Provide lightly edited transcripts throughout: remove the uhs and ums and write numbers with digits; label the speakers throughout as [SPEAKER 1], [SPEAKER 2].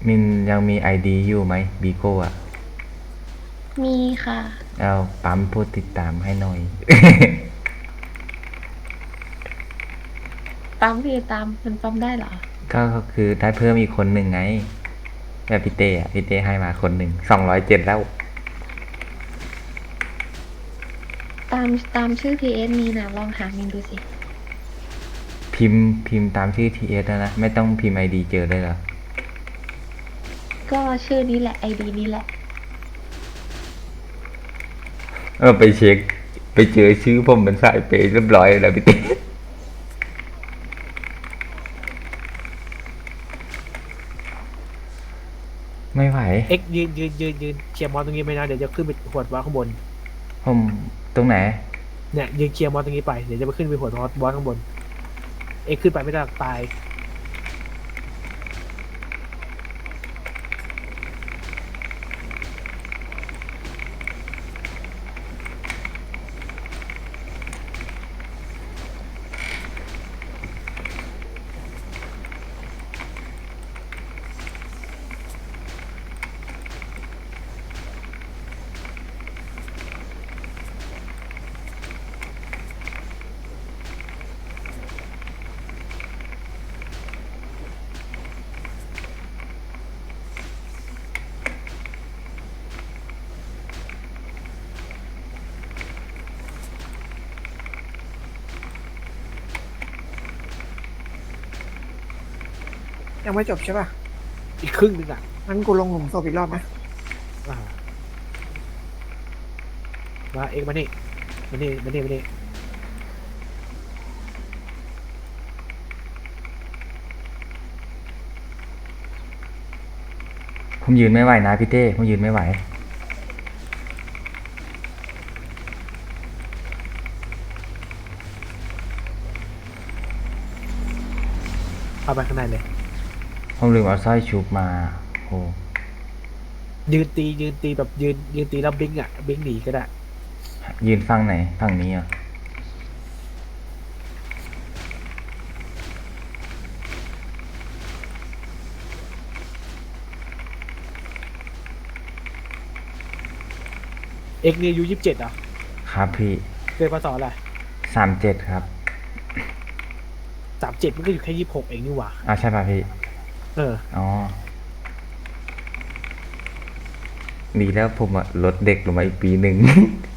[SPEAKER 1] มินยังมีไอดีอยู่ไหมบีโก้อะ
[SPEAKER 2] มีค่ะ
[SPEAKER 1] เอาปั๊มผู้ติดตามให้หน่อย
[SPEAKER 2] ปั๊มพี่ตามมันปั๊มได้เหรอ
[SPEAKER 1] ก็คือได้เพิ่มอีกคนหนึ่งไงแบบพี่เต้อะพี่เต้ให้มาคนหนึ่ง207แล้ว
[SPEAKER 2] ตามตามชื่อ PS มีนะลองหามินดูสิ
[SPEAKER 1] พิมพ์ตามชื่อทีเอสนะไม่ต้องพิมพ์ไอดีเจอได้เหรอ
[SPEAKER 2] ก็ชื่อนี้แหละไอดีนี้แหละ
[SPEAKER 1] ไปเช็คไปเจอชื่อผมเป็นสายเปย์เรียบร้อยแล้วพี่เต้ไม่ไหว
[SPEAKER 3] เอ็กยืนเคลียร์มอสตรงนี้ไหมนะเดี๋ยวจะขึ้นไปหวดบอสข้างบน
[SPEAKER 1] ผมตรงไหน
[SPEAKER 3] เนี่ยยืนเคลียร์มอสตรงนี้ไปเดี๋ยวจะไปขึ้นไปหวดบอสข้างบนเอ็กขึ้นไปไม่ได้ตาย
[SPEAKER 4] ยังไม่จบใช่ป่ะ
[SPEAKER 3] อีกครึ่งหนึงอ่ะ
[SPEAKER 4] งั้นกูลงหลุมศพอีกรอบไหม
[SPEAKER 3] อ่ามาเอ็กมานี่มานี่
[SPEAKER 1] ผมยืนไม่ไหวนะพี่เต้ผมยืนไม่ไหว
[SPEAKER 3] เอาไปข้างในเลย
[SPEAKER 1] ผมลืมเอาสร้อยชุบมาโอ้
[SPEAKER 3] ยืนตีแบบยืนตีแล้วบิงอ่ะบิงหนีก็ได้
[SPEAKER 1] ยืนฝั่งไหนฝั่งนี้อ่ะ
[SPEAKER 3] เอ็กนี่อายุ27อ่ะ
[SPEAKER 1] ครับพี่
[SPEAKER 3] เกิดพศอะไร
[SPEAKER 1] 37ครับ
[SPEAKER 3] 37มันก็อยู่แค่26เองนี่หว่า
[SPEAKER 1] ใช่ป่ะพี่
[SPEAKER 3] เออ
[SPEAKER 1] อ๋อดีแล้วผมลดเด็กลงมาอีกปีหนึ่ง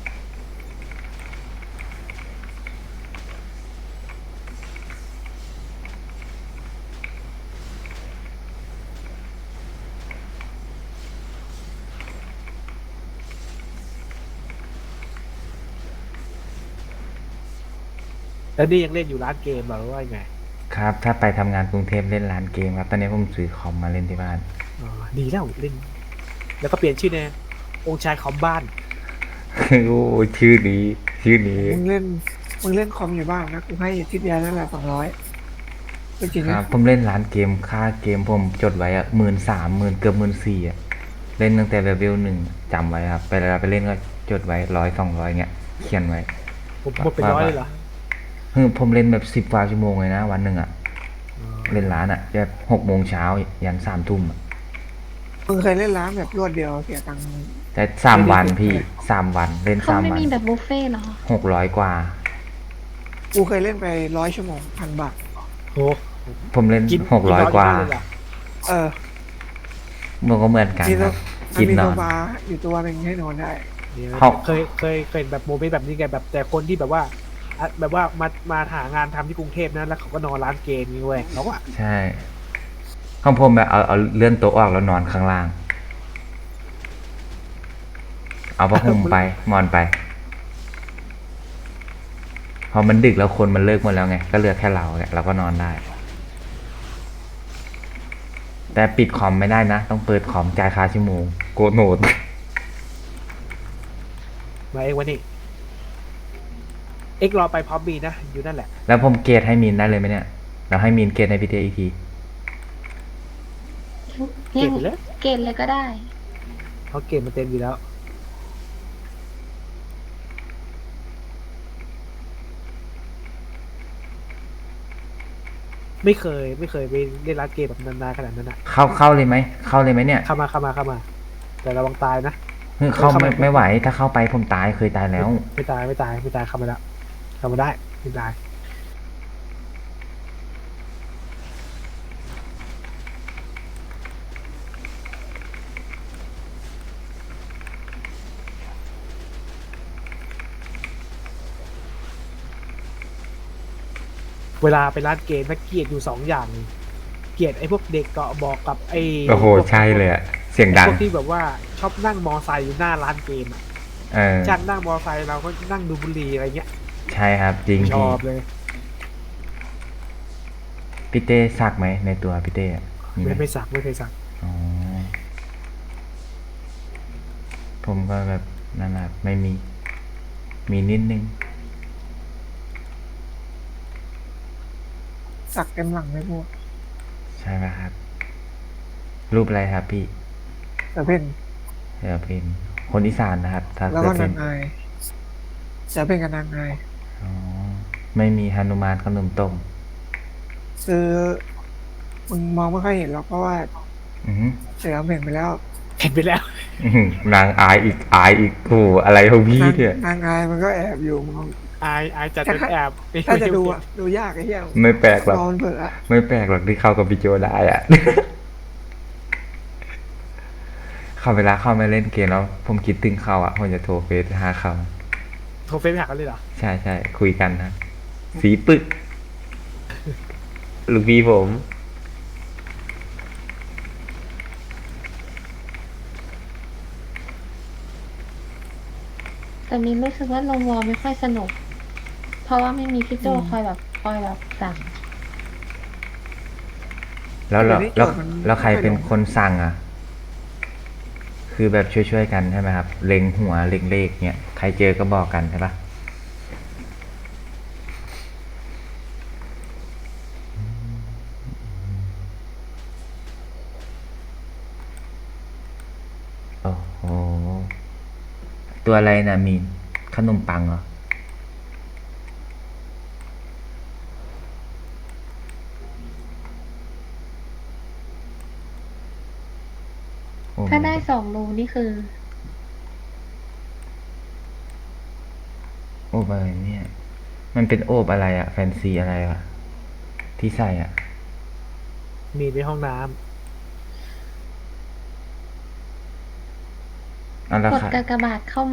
[SPEAKER 3] แล้วนี่ยังเล่นอยู่ร้านเกมเหรอหรือว่าไง
[SPEAKER 1] ครับถ้าไปทำงานกรุงเทพเล่นร้านเกมครับตอนนี้ผมซื้อคอมมาเล่นที่บ้าน
[SPEAKER 3] อ๋อดีแล้วเล่นแล้วก็เปลี่ยนชื่อแน่องค์ชายคอมบ้าน
[SPEAKER 1] โอ้ชื่อนี้
[SPEAKER 4] มึงเล่นคอมอยู่บ้างนะกูให้ทิศยานั่นแหละ200จริงๆนะ
[SPEAKER 1] ครับผมเล่นร้านเกมค่าเกมผมจดไว้13,000เกือบ14,000เล่นตั้งแต่เลเวล 1จำไว้ครับเวลาไปเล่นก็จดไว้100 200เงี้ยเขียนไว้
[SPEAKER 3] ผมหมดเป็นร้อยเลยเหรอ
[SPEAKER 1] ผมเล่นแบบ10 กว่าชั่วโมงเลยนะวันหนึ่ง
[SPEAKER 3] อ๋อ
[SPEAKER 1] เล่นร้านแบบ6 โมงเช้ายัน3 ทุ่ม
[SPEAKER 4] มึงเคยเล่นร้านแบบรวดเดียวเสียตังค์
[SPEAKER 1] แต่3 วันพี่
[SPEAKER 4] ไม่ได้คุ้มเลย
[SPEAKER 1] 3 วันเล่น
[SPEAKER 2] เขาไม่
[SPEAKER 1] 3 วัน
[SPEAKER 2] มีแบบบุฟเฟ่ต์เหรอ
[SPEAKER 1] 600 กว่า
[SPEAKER 4] กูเคยเล่นไป100 ชั่วโมง1,000 บาท
[SPEAKER 3] โห
[SPEAKER 1] ผมเล่น
[SPEAKER 3] กินนอน
[SPEAKER 1] 600 กว่า
[SPEAKER 3] อยู่บ้านเลยเหรอ
[SPEAKER 4] เออ
[SPEAKER 1] มันก็เหมือนกัน
[SPEAKER 4] มีโซ
[SPEAKER 1] ครับ
[SPEAKER 4] มันมีโซ
[SPEAKER 1] กินนอน
[SPEAKER 4] ฟาอยู่ตัวหนึ่งให้นอนได้
[SPEAKER 3] เนี่ย
[SPEAKER 1] เขา
[SPEAKER 3] เคยเห็นแบบโมเมนต์แบบนี้ไงแบบแต่คนที่แบบว่าแบบว่ามาหางานทำที่กรุงเทพนะแล้วเขาก็นอนร้านเกมนี่เว้ยเขาอะ
[SPEAKER 1] ใช่ของผมแบบเอาเลื่อนโต๊ะออกแล้วนอนข้างล่างเอาผ้าห่มไปนอนไปพอมันดึกแล้วคนมันเลิกหมดแล้วไงก็เหลือแค่เราเนี่ยเราก็นอนได้แต่ปิดคอมไม่ได้นะต้องเปิดคอมจ่ายค่าชั่วโมงโกรธโหนด
[SPEAKER 3] มาเองวันนี้เอ็กรอไปพร้อมบีนะอยู่นั่นแหละ
[SPEAKER 1] แล้วผมเกรดให้มีนได้เลยไหมเนี่ยเราให้มีนเกรดในพีเตอีกที
[SPEAKER 2] ยัง
[SPEAKER 3] เก็บไปเลย
[SPEAKER 2] เกณฑ์เลยก็ได้
[SPEAKER 3] เขาเกมมันเต็มอยู่แล้วไม่เคยไปเล่นร้านเกมแบบนานๆขนาดนั้นอ่ะ
[SPEAKER 1] เข้าเลยไหมเข้าเลยไหมเนี่ย
[SPEAKER 3] เข้ามาแต่ระวังตายนะ
[SPEAKER 1] เฮ้ยเข้า
[SPEAKER 3] เข้า
[SPEAKER 1] ไม่
[SPEAKER 3] มา
[SPEAKER 1] ไม่ไหวถ้าเข้าไปผมตายเคยตายแล้ว
[SPEAKER 3] ไม่ตายเข้ามาแล้วเข้ามาได้ไม่ตายเวลาไปร้านเกมนะเกลียดอยู่สองอย่างเกลียดไอ้พวกเด็กเกาะบอกกับไอ้
[SPEAKER 1] โอ้โห
[SPEAKER 3] พวก
[SPEAKER 1] ใช่เลยอะเสียงดัง
[SPEAKER 3] พวกที่แบบว่าชอบนั่งมอไซค์อยู่หน้าร้านเกมอะ
[SPEAKER 1] เออ
[SPEAKER 3] จ้างนั่งมอไซค์เราก็นั่งดูบุหรี่อะไรเงี้ย
[SPEAKER 1] ใช่ครับจริง
[SPEAKER 3] ช
[SPEAKER 1] พี่
[SPEAKER 3] อบเลย
[SPEAKER 1] พี่เต้สักไหมในตัวพี่เต้อะมีไหม
[SPEAKER 3] ไม่สักไม่เคยสัก
[SPEAKER 1] อ๋อผมก็แบบนั่นแหละไม่มี มีนิดนึง
[SPEAKER 4] สักเต็มหลังเลยพวก
[SPEAKER 1] ใช่ไหมครับ รูปอะไรครับพี่
[SPEAKER 4] แต่เป็น
[SPEAKER 1] เดี๋ยวเป็นคนอีสานนะครับ ถ้า
[SPEAKER 4] แล้ว
[SPEAKER 1] เกิ
[SPEAKER 4] ก็
[SPEAKER 1] ดเป็น
[SPEAKER 4] าน งอายจะเป็นกับนางอาย
[SPEAKER 1] อ๋อไม่มีหนุมานขนมต้ม
[SPEAKER 4] คือมึงมองไม่ค่อยเห็นหรอกเพราะว่า
[SPEAKER 1] อือหือ
[SPEAKER 4] เสือเห็นไปแล้ว
[SPEAKER 3] เห็นไปแล้ว
[SPEAKER 1] อื้อหือนางอายอีกโอ้โหอะไรของพี่เนี่ย
[SPEAKER 4] นางอายมันก็แอบอยู่มึง
[SPEAKER 3] อายจัดเป็นแอบ
[SPEAKER 4] ถ้าจะดูอะดูยากไอ้เหี้ย
[SPEAKER 1] ไม่แปลกหรอก
[SPEAKER 4] นอนเผลออะ
[SPEAKER 1] ไม่แปลกหรอกที่เข้ากับพี่โจได้อะ เขาเวลาเข้ามาเล่นเกมแล้ว ผมคิดถึงเขาอ่ะผมจะโทรเฟซหาเขา
[SPEAKER 3] โทรเฟซไปหากันเลยเหรอ
[SPEAKER 1] ใช่ใช่คุยกันนะสีปึก ลูกพี่ผม
[SPEAKER 2] แต่มินรู้สึกว่าลงวอลไม่ค่อยสนุก เพราะว่าไม่มีพี่โจคอยแบบสั่ง
[SPEAKER 1] แล้วใครเป็นคนสั่งอ่ะ คือแบบช่วยๆกันใช่ไหมครับ เล็งหัวเล็งเลขเนี่ยใครเจอก็บอกกันใช่ปะโอ้โหตัวอะไรนะมีนขนมปังเหรอโอ้
[SPEAKER 2] ถ้าได้2 รูนี่คือ
[SPEAKER 1] โอบอะไรเนี่ย มันเป็นโอบอะไรอะแฟนซีอะไรอะที่ใส่อะ
[SPEAKER 3] มีในห้องน้ำ
[SPEAKER 1] อันละ
[SPEAKER 2] กด
[SPEAKER 1] ค่ะ
[SPEAKER 2] กากบาทเข้าใหม่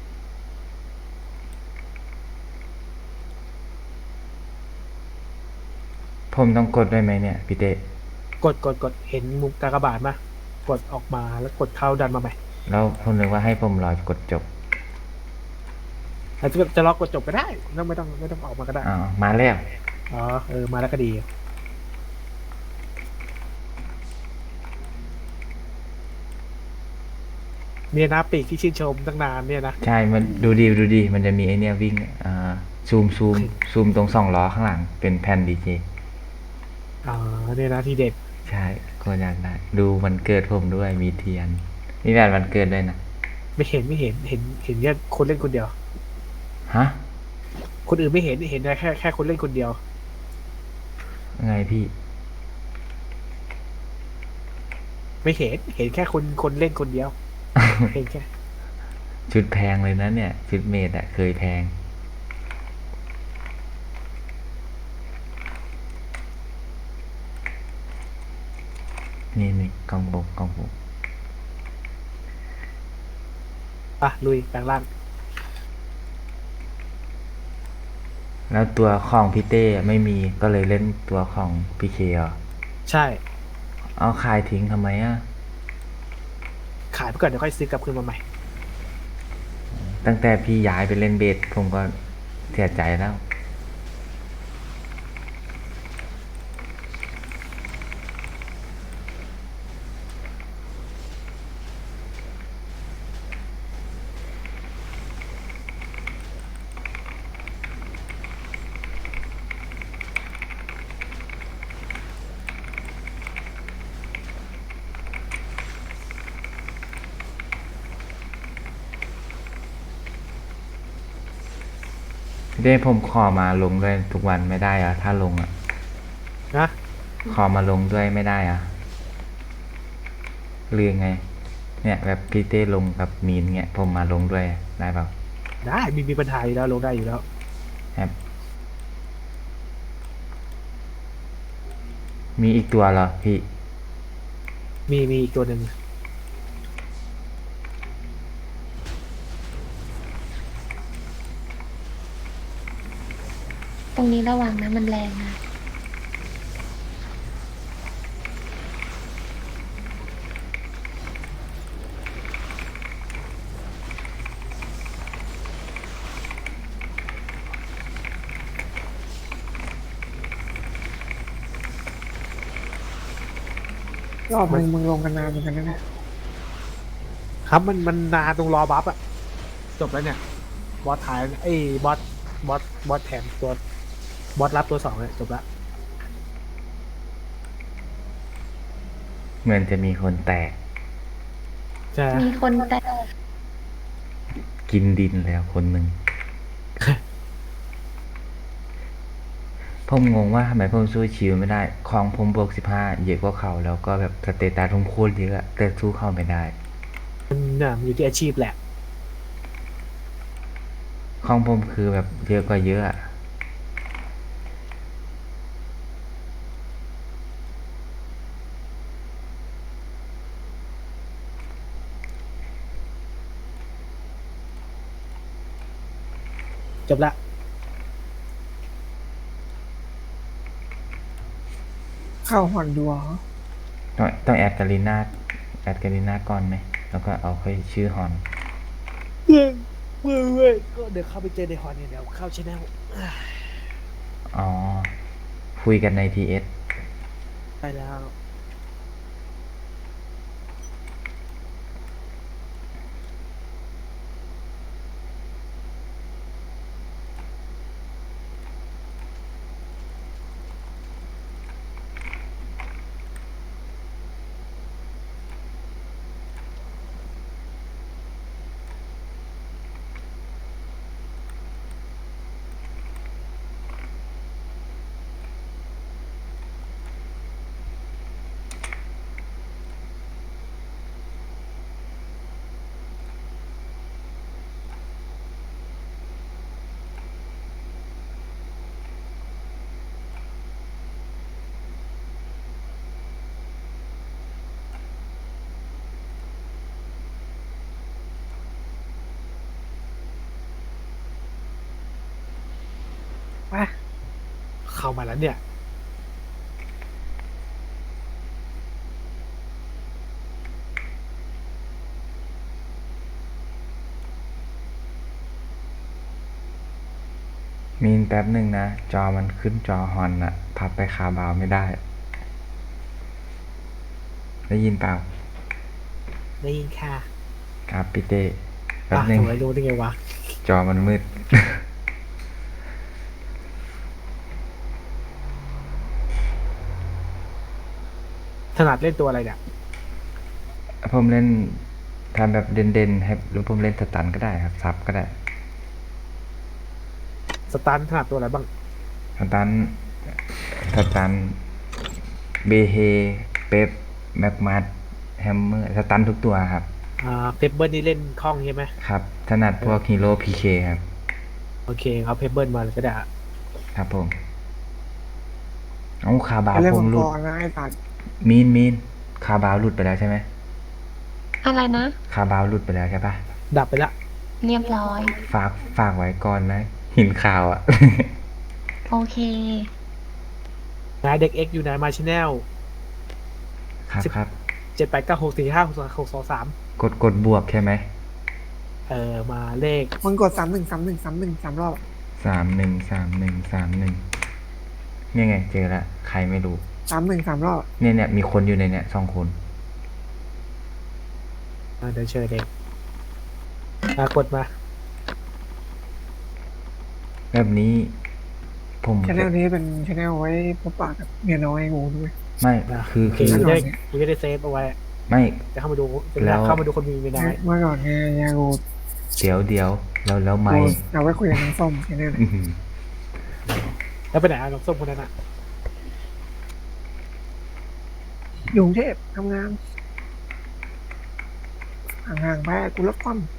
[SPEAKER 1] ผมต้องกดด้วยไหมเนี่ยพี่เต้
[SPEAKER 3] กดเห็นมุมกากบาทมากดออกมาแล้วกดเข้าดันมาใหม่
[SPEAKER 1] แล้วผมนึกว่าให้ผมรอกดจบ
[SPEAKER 3] อาจจะล็อกกดจบก็ได้ไม่ต้องออกมาก็ได้
[SPEAKER 1] อ๋อมาแล้ว
[SPEAKER 3] อ๋อมาแล้วก็ดีเนี่ยนะปีกที่ชื่นชมตั้งนานเนี่ยนะ
[SPEAKER 1] ใช่ มันดูดี มันจะมีไอเนี่ยวิ่ง ซูมตรง2 ล้อข้างหลัง เป็นแผ่นดีเจ
[SPEAKER 3] อ๋อเนี่ยนะที่เด็ด
[SPEAKER 1] ใช่ก็อยากได้ ดูมันเกิดผมด้วย มีเทียน มีแหวนวันเกิดด้วยนะ
[SPEAKER 3] ไม่เห็นแค่คนเล่นคนเดียว
[SPEAKER 1] ฮะ
[SPEAKER 3] คนอื่นไม่เห็นได้แค่คนเล่นคนเดียว
[SPEAKER 1] ไงพี่
[SPEAKER 3] ไม่เห็นแค่คนเล่นคนเดียว เห็นแค่
[SPEAKER 1] ชุดแพงเลยนะเนี่ย ชุดเมดอะเคยแพง นี่กล่องบก
[SPEAKER 3] อ่ะลุยแปลงร่าง
[SPEAKER 1] แล้วตัวของพี่เต้ไม่มี ก็เลยเล่นตัวของพี่เคเหรอ
[SPEAKER 3] ใช่
[SPEAKER 1] เอาขายทิ้งทำไมอะ
[SPEAKER 3] ขายไปก่อนเดี๋ยวค่อยซื้อกลับคืนมาใหม่
[SPEAKER 1] ตั้งแต่พี่ย้ายไปเล่นเบสผมก็เสียใจแล้ว พี่เต้ผมขอมาลงด้วยทุกวันไม่ได้เหรอะถ้าลงอะ
[SPEAKER 3] นะ
[SPEAKER 1] ขอมาลงด้วยไม่ได้อะหรือไง เนี่ยแบบพี่เต้ลงกับมีนเงี้ยผมมาลงด้วยได้เปล่า
[SPEAKER 3] ได้มีปัญหาอยู่แล้วลงได้อยู่แล้ว
[SPEAKER 1] ครับมีอีกตัวเหรอพี่
[SPEAKER 3] มีอีกตัวหนึ่ง
[SPEAKER 2] ตรงนี้ระวังนะมันแรงนะ
[SPEAKER 4] รอบมึงลงกันนานเหมือนกันนะเนี่ย
[SPEAKER 3] ครับมันนานตรงรอบัฟอะจบแล้วเนี่ยบอสท้ายไอ้บอสแถมตัวบอสรับตัว2เนี่ยจบแล้ว
[SPEAKER 1] เหมือนจะมีคนแตก
[SPEAKER 3] ใช่ไหม
[SPEAKER 2] มีคนแต่
[SPEAKER 1] กินดินแล้วคนหนึ่ง ผมงงว่าทำไมผมสู้ชิวไม่ได้ ของผมบวก15เยอะกว่าเขาแล้วก็แบบสเตตัสผมโคตรเยอะแต่สู้เขาไม่ได้
[SPEAKER 3] มันอยู่ที่อาชีพแหละ
[SPEAKER 1] ของผมคือแบบเยอะกว่าเยอะอะ
[SPEAKER 3] จบละ
[SPEAKER 4] เข้าหอนดัวเหรอ
[SPEAKER 1] ต้องแอดกาลิน่าก่อนไหม แล้วก็เอาค่อยชื่อฮอน
[SPEAKER 3] เว้ยก็เดี๋ยวเข้าไปเจอในฮอนเนี่ยเดี๋ยวเข้าชแนล
[SPEAKER 1] อ๋อ คุยกันในทีเอส
[SPEAKER 3] ไปแล้ว
[SPEAKER 4] ไป
[SPEAKER 3] เข้ามาแล้วเนี่ย
[SPEAKER 1] มีนแป๊บหนึ่งนะ จอมันขึ้นจอฮอนอะพับไปคาบาวไม่ได้ ได้ยินเปล่า
[SPEAKER 3] ได้ยินค่ะ
[SPEAKER 1] ครับพี่เต้แป๊บ
[SPEAKER 3] อ่ะ
[SPEAKER 1] หนึ่ง
[SPEAKER 3] ทำไมรู้ได้ไงวะ
[SPEAKER 1] จอมันมืด
[SPEAKER 3] ถนัดเล่นตัวอะไรเนี่ย
[SPEAKER 1] ผมเล่นทำแบบเด่นๆให้หรือผมเล่นสตันก็ได้ครับ ซับก็ได้
[SPEAKER 3] สตันถนัดตัวอะไรบ้าง
[SPEAKER 1] สตันเบเฮเป๊ปแม็กมัดแฮมเมอร์สตันทุกตัวครับ
[SPEAKER 3] เพปเบิลนี่เล่นคล่องใช่ไหม
[SPEAKER 1] ครับถนัดพวกฮีโร่พีเคครับ
[SPEAKER 3] โอเคเอาเพปเบิลมาเลยก็ได้อะ
[SPEAKER 1] ครับผมเอาคาบาว
[SPEAKER 4] ไปเล่น
[SPEAKER 1] ผ
[SPEAKER 4] มั
[SPEAKER 1] ม
[SPEAKER 4] ง
[SPEAKER 1] ห
[SPEAKER 4] ก
[SPEAKER 1] ลุด
[SPEAKER 4] รนะไอ้ตัด
[SPEAKER 1] มีนคาบาวหลุดไปแล้วใช่ไหม
[SPEAKER 2] อะไรนะ
[SPEAKER 1] คาบาวหลุดไปแล้วใช่ปะ
[SPEAKER 3] ดับไปละ
[SPEAKER 2] เรียบร้อย
[SPEAKER 1] ฝากไว้ก่อนนะหินข่าวอ่ะ
[SPEAKER 2] โอเค
[SPEAKER 3] นายเด็กเอ็กอยู่ไหนมาชแนล
[SPEAKER 1] ครับ
[SPEAKER 3] 789645623
[SPEAKER 1] กดบวกใช่ไหม
[SPEAKER 3] มาเลข
[SPEAKER 4] มึงกด313131 3 รอบ
[SPEAKER 1] 3131เนี่ยไงเจอละใครไม่รู้
[SPEAKER 4] 3 รอบ
[SPEAKER 1] เนี่ยมีคนอยู่ในเนี่ย2 คน
[SPEAKER 3] เดี๋ยวเชิญเด็กกดมา
[SPEAKER 1] แบบนี้ผม
[SPEAKER 4] ชแนลนี้เป็นชแนลไว้พบปะกับเมียน้อยงูด้วย
[SPEAKER 1] ไม่
[SPEAKER 3] นะ
[SPEAKER 1] คือ
[SPEAKER 3] โอเค
[SPEAKER 1] คือ
[SPEAKER 3] กูจะได้เซฟเอาไว้
[SPEAKER 1] ไม่
[SPEAKER 3] จะเข้ามาดูจะ
[SPEAKER 1] แล้ว
[SPEAKER 3] เข้ามาดูคนมีไม่น้อย
[SPEAKER 4] เมื่อก่อนเนี่ยยางู
[SPEAKER 1] เดี๋ยวแล้วไม่
[SPEAKER 4] เอาไว้คุยกับน้องส้มชแนล
[SPEAKER 1] อื้อหือ
[SPEAKER 3] แล้วไปไหนน้องส้มคนนั้นอ่ะ
[SPEAKER 4] อยู่กรุงเทพทำงานห่างๆไปกูลดความ